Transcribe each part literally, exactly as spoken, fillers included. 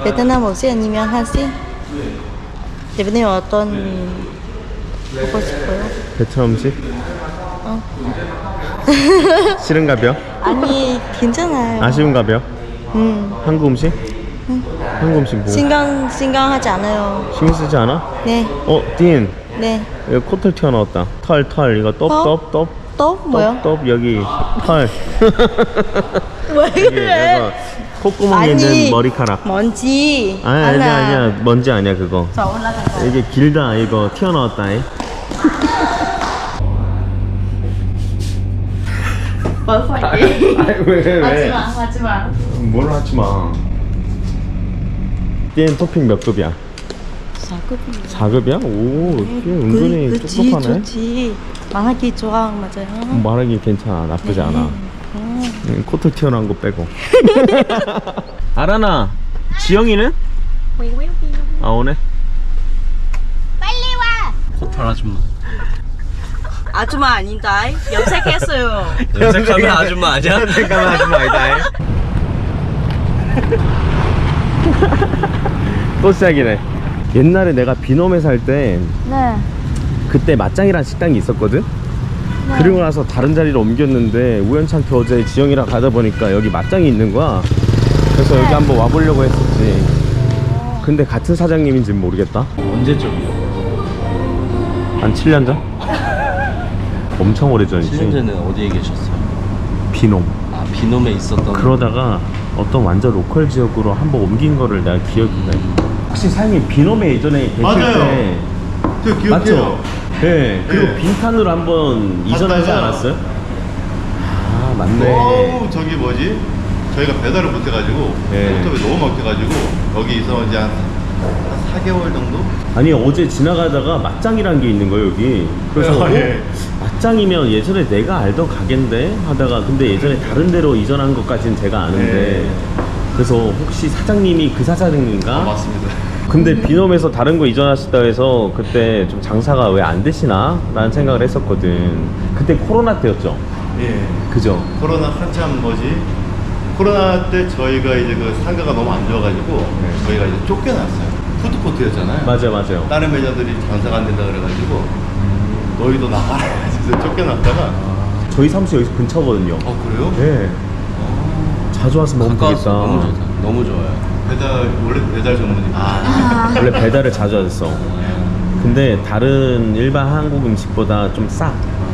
베트남 음식 아니면 한식? 대표님 어떤 먹고 싶어요? 베트남 음식? 어. 싫은가벼? 아니 괜찮아요. 아쉬운가벼? 음. 한국 음식? 응. 한국 음식 뭐? 신경 신경하지 않아요. 신경 쓰지 않아? 네. 어, 딘. 네. 이거 코털 튀어나왔다. 털, 털. 이거 떡, 어? 떡, 떡. 또 뭐요? 떡, 떡, 여기 털. 왜 여기 그래? 이거 콧구멍에 있는 머리카락. 먼지. 아니, 아니야, 아니야. 먼지 아니야, 그거. 저 올라가요. 이게 길다, 이거. 튀어나왔다. 이. 뭘 phải 아니, 왜, 왜? 하지마 하지마. 뭘 하지 마. 띠엔 토핑 몇 급이야? 사 급이요. 사 급이야? 오, 띠 은근히 그치, 똑똑하네. 좋지. 말하기 좋아 맞아요. 말하기 괜찮아. 나쁘지 않아. 음. 응, 코털 튀어나온 거 빼고. 아라나, 지영이는? 아, 오네. 빨리 와. 코털 아줌마. 아줌마 아닌다. 염색했어요. 염색하면 아줌마 아니야? 염색하면 아줌마 아니다. 또 시작이네. 옛날에 내가 비놈에 살 때 네. 그때 맞짱이라는 식당이 있었거든? 네. 그리고 나서 다른 자리로 옮겼는데 우연찮게 어제 지영이랑 가다 보니까 여기 맞짱이 있는 거야. 그래서 여기 한번 와보려고 했었지. 근데 같은 사장님인지는 모르겠다. 언제적이요? 한 칠 년 전? 엄청 오래전이지. 칠 년 전에 어디에 계셨어요? 비놈. 아, 비놈에 있었던. 그러다가 어떤 완전 로컬 지역으로 한번 옮긴 거를 내가 기억이 나. 혹시 사장님 비놈에 예전에 계실 맞아요. 때 저 기억해요. 맞죠? 네. 그리고 네. 빈칸으로 한번 이전하지 갔다가 않았어요? 아 맞네. 어우 저기 뭐지? 저희가 배달을 못해가지고 네. 인터뷰 너무 막혀가지고 여기서 이제 한, 한 사 개월 정도? 아니 어제 지나가다가 맞짱이라는 게 있는 거예요 여기. 그래서 네, 예. 어? 맞짱이면 예전에 내가 알던 가게인데 하다가 근데 예전에 다른 데로 이전한 것까지는 제가 아는데 네. 그래서 혹시 사장님이 그 사장님인가? 아, 맞습니다. 근데 비놈에서 다른 거 이전하시다 해서 그때 좀 장사가 왜 안 되시나? 라는 생각을 했었거든. 그때 코로나 때였죠? 예. 그죠? 코로나 한참 뭐지? 코로나 때 저희가 이제 그 상가가 너무 안 좋아가지고 네. 저희가 이제 쫓겨났어요. 푸드코트였잖아요. 맞아요, 맞아요. 다른 매장들이 장사가 안 된다 그래가지고 너희도 나가라 해서 쫓겨났다가 저희 사무실 여기서 근처거든요. 어 그래요? 네. 자주 와서 먹으면 되겠다. 가까워서 너무 좋다. 너무 좋아요. 배달 원래 배달 전문이. 아, 원래 배달을 자주 하셨어. 근데 다른 일반 한국 음식보다 좀 싸.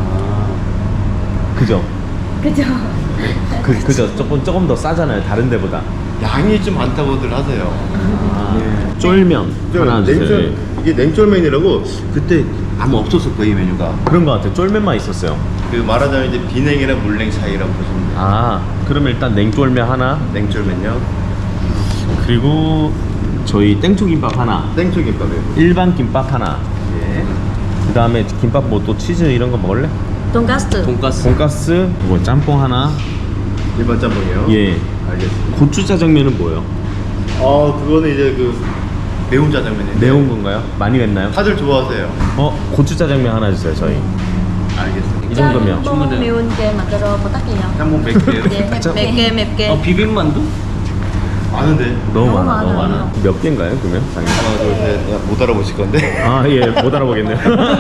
그죠? 그죠. 그, 그죠? 조금, 조금 더 싸잖아요. 다른 데보다. 양이 좀 많다고들 하세요. 아, 쫄면 하나 주세요. 냉쫄, 이게 냉쫄면이라고 그때 아무 없었을 거예요, 이 메뉴가. 그런 거 같아요. 쫄면만 있었어요. 그 말하자면 이제 비냉이랑 물냉 차이라고 보시면 돼요. 아, 그럼 일단 냉쫄면 하나. 냉쫄면요. 그리고 저희 땡초김밥 하나. 땡초김밥이요. 일반 김밥 하나. 예. 그 다음에 김밥 뭐 또 치즈 이런 거 먹을래? 돈가스. 돈가스. 돈가스, 뭐 짬뽕 하나. 일반 짬뽕이요. 예. 알겠습니다. 고추 짜장면은 뭐예요? 어, 그거는 이제 그 매운 짜장면이에요. 매운 건가요? 많이 맵나요? 다들 좋아하세요. 어, 고추 짜장면 하나 주세요, 저희. 알겠습니다. 이 정도면 짬뽕 충분해요. 매운 게 만들어 부탁해요. 짬뽕 백 개요. 예, 맵게 맵게. 어, 비빔만두? 많은데. 너무 너무 많아, 너무 많아요. 많아. 몇 개인가요, 그러면? 하나, 둘, 셋. 못 알아보실 건데. 아, 예, 못 알아보겠네요.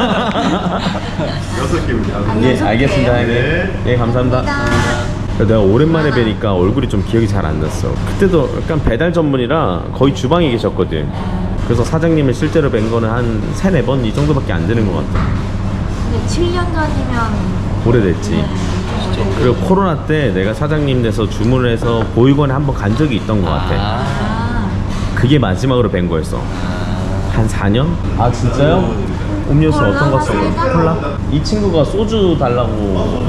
여섯 개입니다. 예, 알겠습니다, 형님. 네. 예, 감사합니다. 내가 오랜만에 뵈니까 얼굴이 좀 기억이 잘 안 났어. 그때도 약간 배달 전문이라 거의 주방에 계셨거든. 그래서 사장님을 실제로 뵌 거는 한 세네 번 이 정도밖에 안 되는 것 같아. 근데 칠 년 전이면 오래됐지. 그리고 코로나 때 내가 사장님 돼서 주문을 해서 보육원에 한번 간 적이 있던 것 같아. 아. 그게 마지막으로 뵌 거였어. 한 사 년? 아 진짜요? 음료수 어떤 거 써요? 콜라? 이 친구가 소주 달라고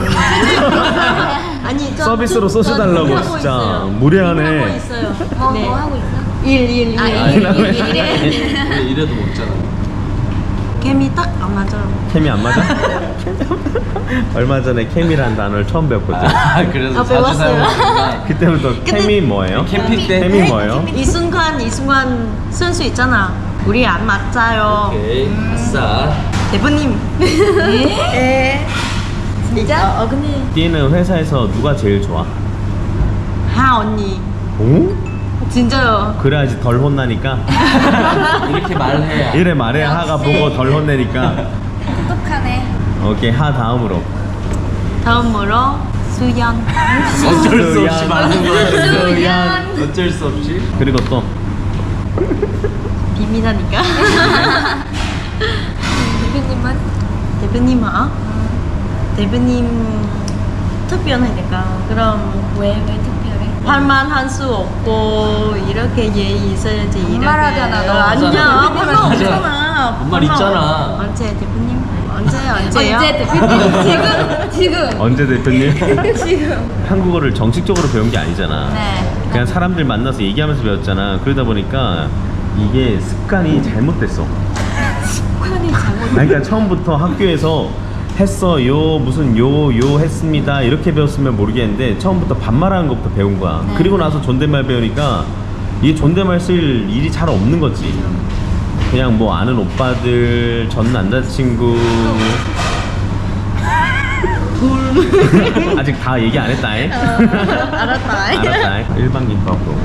아니 저 서비스로 저- 소주 저 달라고 하고 진짜 있어요. 무례하네. 하고 있어요. 뭐, 네. 뭐 하고 있어? 일, 일, 일. 아, 일, 일, 일, 일, 일. 왜 이래도 먹잖아. 케미 딱 안 맞아요. 케미 안 맞아? 얼마 전에 케미라는 단어를 처음 배웠거든. 아, 그래서 아, 자주 배웠어요. 사용하니까. 그때부터 케미 뭐예요? 캠핑 때? 케미 뭐예요? 이 순간 이 순간 선수 있잖아. 우리 안 맞아요. 오케이. 아싸. 대표님. 네. 진짜? 어, 근데 띠는 회사에서 누가 제일 좋아? 하 언니. 오? 진짜요. 그래야지 덜 혼나니까. 이렇게 말해야. 이래 말해야 하가 보고 덜 혼내니까. 똑똑하네. 오케이, 하 다음으로. 다음으로 수연. 어쩔 수 없이 수연. 말하는 거야. 수연. 어쩔 수 없이. 그리고 또 비밀하니까. 대표님은? 대표님 hả? 대표님 특별하니까 그럼 왜, 왜 특별해? 할만 할 수 없고 이렇게 예의 있어야지 이렇게. 반말하잖아, 너. 아니야 반말 맞아. 없잖아. 반말 있잖아. 언제 대표님? 언제 언제요? 언제 대표님? 지금, 지금. 언제 대표님? 지금. 한국어를 정식적으로 배운 게 아니잖아. 네. 그냥 사람들 만나서 얘기하면서 배웠잖아. 그러다 보니까 이게 습관이 잘못됐어. 습관이 잘못. 그러니까 처음부터 학교에서 했어요 무슨 요 요 했습니다 이렇게 배웠으면 모르겠는데 처음부터 반말하는 것부터 배운 거야. 네. 그리고 나서 존댓말 배우니까 이게 존댓말 쓸 일이 잘 없는 거지. 그냥 뭐 아는 오빠들, 전 남자친구. 아직 다 얘기 안 했다. 잉? 알았다. 알았다. 잉? 일반 김밥으로.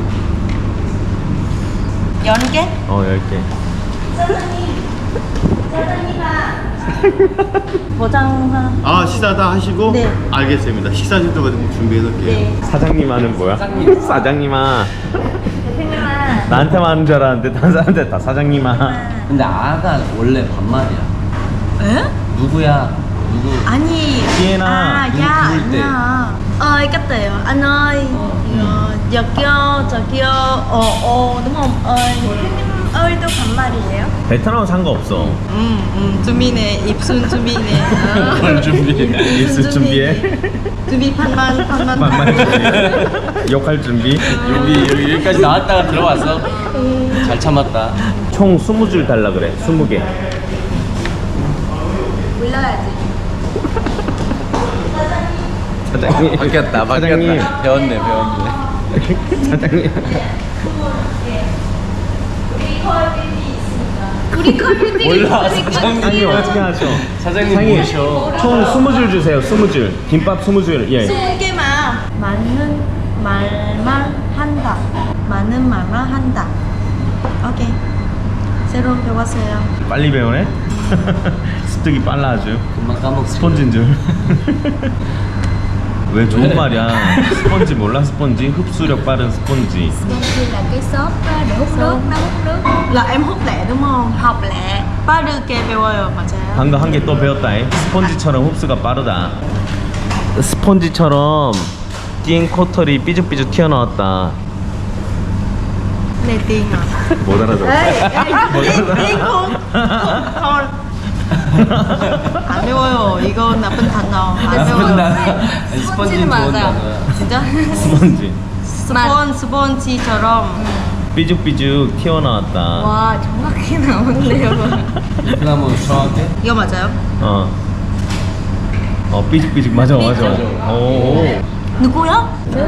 연계? 어, 열 개. 보장. 아 식사 다 하시고? 네. 알겠습니다. 식사 정도 준비해 놓을게요. 네. 사장님하는 뭐야? 사장님. 사장님아. 대표님은? 나한테만 하는 줄 알았는데 다른 사람한테 다 사장님아. 근데 아가 원래 반말이야. 에? 누구야? 누구? 아니. Sienna, À, 누구 dạ, 부를 때. anh ơi, cách tiểu, anh ơi, ờ, giờ kia, giờ kia, ồ, ồ, đúng không? ơi. 대표님 ơi, 또 반말이에요? 베트남은 상관없어. 음, 음, 준비네, 입순 준비네. 뭘 준비해? 입술 준비해. 준비 반만, 반만. 반말 준비. 욕할 준비. 여기 여기 여기까지 나왔다가 들어왔어. 잘 참았다. 총 스무 줄 달라 그래. 스무 개. 몰라야지. 사장님. 바뀌었다. 사장님. 바뀌었다. 배웠네 배웠네. 사장님. 우리 컬뷰티. 몰라 사장님 사장님 어떻게 하셔? 사장님 사장님. 모셔. 총 스무 줄 주세요. 스무 줄. 김밥 스무 줄. 예. 스무 개만. 많은 말만 한다. 많은 말만 한다. 오케이. 새로 배웠어요. 빨리 배우네. 습득이 빨라 아주. 금방 까먹. 스펀지인 줄. 왜 좋은 왜? 말이야? 스펀지 몰라? 스펀지? 흡수력 빠른 스펀지. Sponge là cái xốp á, để hút nước, nó hút nước. Là em hút lẹ đúng không? Học lẹ. 빠르게 배워요, 맞아요. 방금 한 개 또 배웠다. 스펀지처럼 흡수가 빠르다. 스펀지처럼 띵 코털이 삐죽삐죽 튀어나왔다. 내 띵아. 못 알아들어. 띵 không? Thôi. 안 배워요. 이거 나쁜 단어. 안 배워요. 스펀지는 좋은 맞아. 단어야. 진짜? 스펀지. 스폰 스폰지처럼. 삐죽삐죽 튀어나왔다. 와, 정확히 나오네요. 베트남어 정확해? 이거 맞아요? 어. 어 삐죽삐죽 맞아 맞아 맞아. 오. 누구야?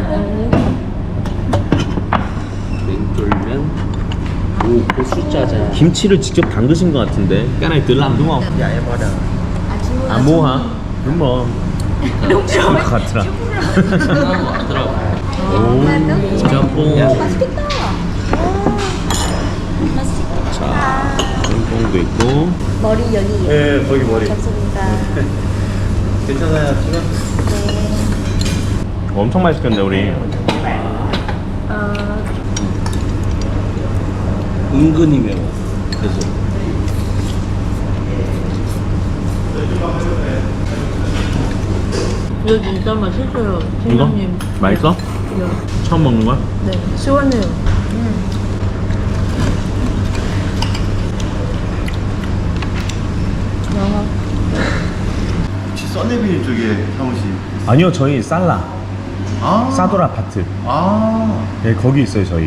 냉쫄면. 오 고수짜장. 김치를 직접 담그신 것 같은데. cái này tự làm đúng không? Dạ em order. À mua hả? Đúng rồi. Đúng rồi. 같더라. 베트남어 왔더라고. 오. 짬뽕. 맛있겠다. 자, 짬뽕도 있고. 머리 여기. 네 거기 머리. 감사합니다. 괜찮아요 지금? 엄청 맛있겠네 우리. 은근히 매워. 그래서 이거 진짜 맛있어요. 이거? 팀장님. 맛있어? 이거. 처음 먹는 거야? 네. 시원해요. 영어. 혹시 써내비 쪽에 사무실? 아니요 저희 살라. 아. 사도라 파트. 아. 네 거기 있어요 저희.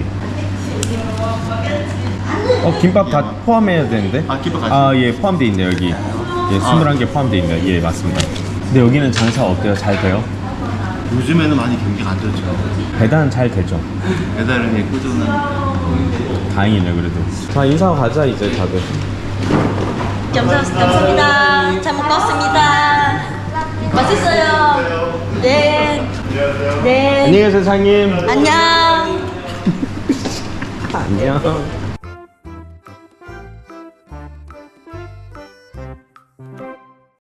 어 김밥 다 포함해야 되는데? 아, 김밥 같이? 아예 포함돼 있네 여기. 예 스물한 개 포함돼 있네. 예 맞습니다. 근데 여기는 장사 어때요? 잘 돼요? 요즘에는 많이 경기가 안 좋죠. 배달은 잘 되죠. 배달은 그냥 꾸준하니까. 다행이네 그래도. 자 인사하고 가자 이제 다들. 감사, 감사합니다. 잘 먹었습니다. 맛있어요. 네. 네. 안녕히 계세요 사장님. 안녕. 안녕.